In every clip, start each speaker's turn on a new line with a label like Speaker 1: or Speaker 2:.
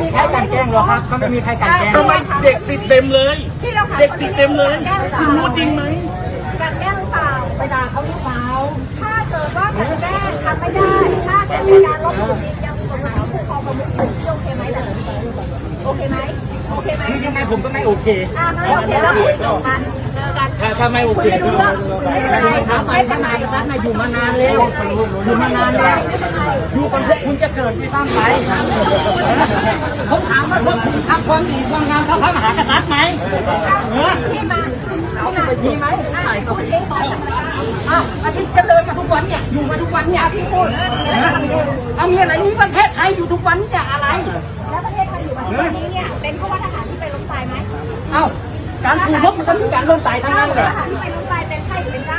Speaker 1: มีใครกันแกล้งหรอกครับก็ไม่มีใครกันแกล้ง
Speaker 2: ทำไมเด็กติดเต็มเลยเด็กติดเต็มเลยคุณรู้จริงไหม
Speaker 3: การแก้หรือเปล่า
Speaker 1: ไปด่าเขาหรือเปล่า
Speaker 3: ถ้าเกิดว่าการแก้ทำไม่ได้ถ้าเกิดเป็นการลบหลู่จริงยังมีกฎหมายของผู้ปกครองประมุขอยู่โอเคไหมแบบนี้โอเคไหมโอเคไหม
Speaker 1: คือยังไงผมก็ไม่โอเค
Speaker 3: ไม่โอเคแล้วคุยจบกันเจอกัน
Speaker 2: ถ้าไม่โอเค
Speaker 3: คุยรู้เรื่องไม่เป็นไร
Speaker 1: ถามไปทำไมรัฐน่ะอยู่มานานแล้วอยู่มานานแล้วอยู่กันพวกคุณจะเกิดที่สร้างไปผมถามว่าพวกคุณทำความดีความงามเท่าพระมหากษัตริย์ไหม
Speaker 3: ที่มา
Speaker 1: เขาไม่มีไหมอาทิตย์จะเดินมาทุกวันเนี่ยอยู่มาทุกวันเนี่ยพี่พูดเอามีอะไรนี้ประเทศไทยอยู่ทุกวันเนี่ยอะไร
Speaker 3: แล้วประเทศไทยอยู่แบบนี้เนี่ยเป็นเพราะว่าทหารที่ไปล้มตายไหม
Speaker 1: เอ้าการสู้รบมันก็มีการล้มตายทั้งนั้นเลย
Speaker 3: ทหารที่ไปล้มตายเป็นไข้หรือเป็นเจ้า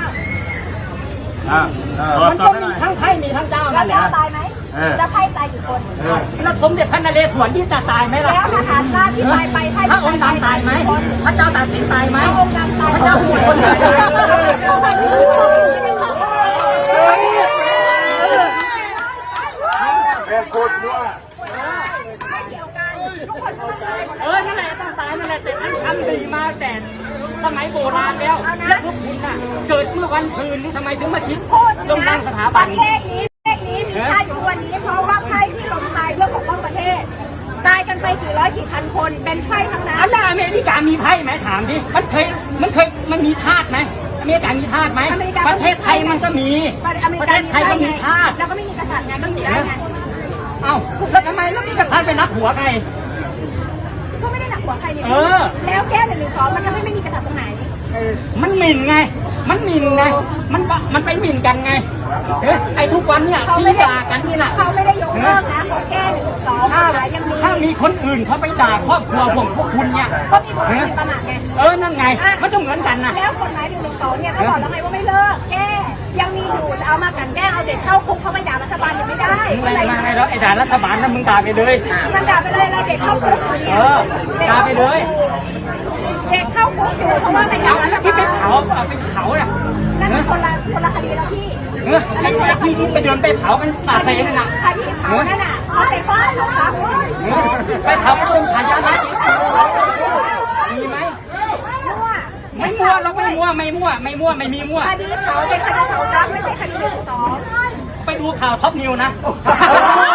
Speaker 1: มันก็มีทั้งไพ่มีทั้งเจ้า
Speaker 3: แล้
Speaker 1: นั่
Speaker 3: วน
Speaker 1: แหละ
Speaker 3: เจ้าตายไหมแล้วไพ่ตายกี่คน
Speaker 1: แล้วสมเด็จพระนเรศวรที่จะตายไหมล่ะ
Speaker 3: แล้วทหารราชที่ตายไปไพ่
Speaker 1: พระองค์ดำตายไหมพระเจ้าตากสินตายไหม
Speaker 3: พระองค์ดำตาย
Speaker 1: พระเจ้าหุ่นคนไหนนั่นแหละต้องตายนั่นแหละแต่ท่านทำดีมาแต่สมัยโบราณแล้วและพวกคุณน่ะเกิดเมื่อวันคืนนี่ทำไมถึงมาคิดลงตั้งสถาบัน
Speaker 3: ประเทศนี้มีชาติอยู่วันนี้เพราะว่าไพ่ที่ล้มตายเพื่อปกป้องประเทศตายกันไปกี่ร้อยกี่พันคนเป็นไพ่ทั้งนั้น
Speaker 1: อันนั้นอเมริกามีไพ่ไหมถามดิมันมีทาสไหมอเมริกามีทาสไหมประเทศไทยมันก็มีประเทศไทยก็มีทาส
Speaker 3: แล้วก็ไม่มีกษัตริย์ไงก็อยู่ได้ไง
Speaker 1: เอ้าแล้วทำไมแล้วมีกษัตริย์ไปนับหัวไง
Speaker 3: ก็ไม่ได้หนักหัวใครนี่แล้วแก้112มันทำให้ไม่มีกษัตริย์ตรงไหน
Speaker 1: มันหมิ่นไงมันไปหมิ่นกันไงไอ้ทุกวันเนี่ยที่ด่ากันนี่น่ะ
Speaker 3: เขาไม่ได้ยกเลิกนะเขาแก้112ยังมี
Speaker 1: ถ้ามีคนอื่นเขาไปด่าครอบครัวพวกคุณเนี่ย
Speaker 3: ก็มีบทมีประมาทไง
Speaker 1: นั่นไงมันต้องเหมือนกันนะ
Speaker 3: แล้วกฎหมาย112เนี่ยเขาบอกแล้วไงว่าไม่เลิกแก้ยังมีอยู่เอามากันแก้เอาเด็กเข้าคุกเขาไปด่ารัฐบาลยังไม่ได้
Speaker 1: อะไรมาแล้วไอ้ด่ารัฐบาลนั้นมึงด่าไปเลย
Speaker 3: มันด่าไปเลยเราเด็กเข้าคุก
Speaker 1: ด่าไปเลย
Speaker 3: เด็กเข้าคุกอยู่เพราะว่าไปด่ารัฐ
Speaker 1: ที่
Speaker 3: บาล
Speaker 1: ไปเผาน่ะ
Speaker 3: นั่นเป็นคนละคดีแล้วพี่
Speaker 1: ไอ้ที่ไปเดินไปเผากันป่าเซนน่ะ
Speaker 3: คดีเผานั่นน่ะเขาไปฟ้องลูกสาว
Speaker 1: ไปเผาเป็นองค์ขายานะมีไหมไม่มั่วเราไม่มีมั่ว
Speaker 3: คดีเผาเป็นคดีเผาทรัพย์ไม่ใช่คดี112
Speaker 1: ไปดูข่าวท็อปนิวนะ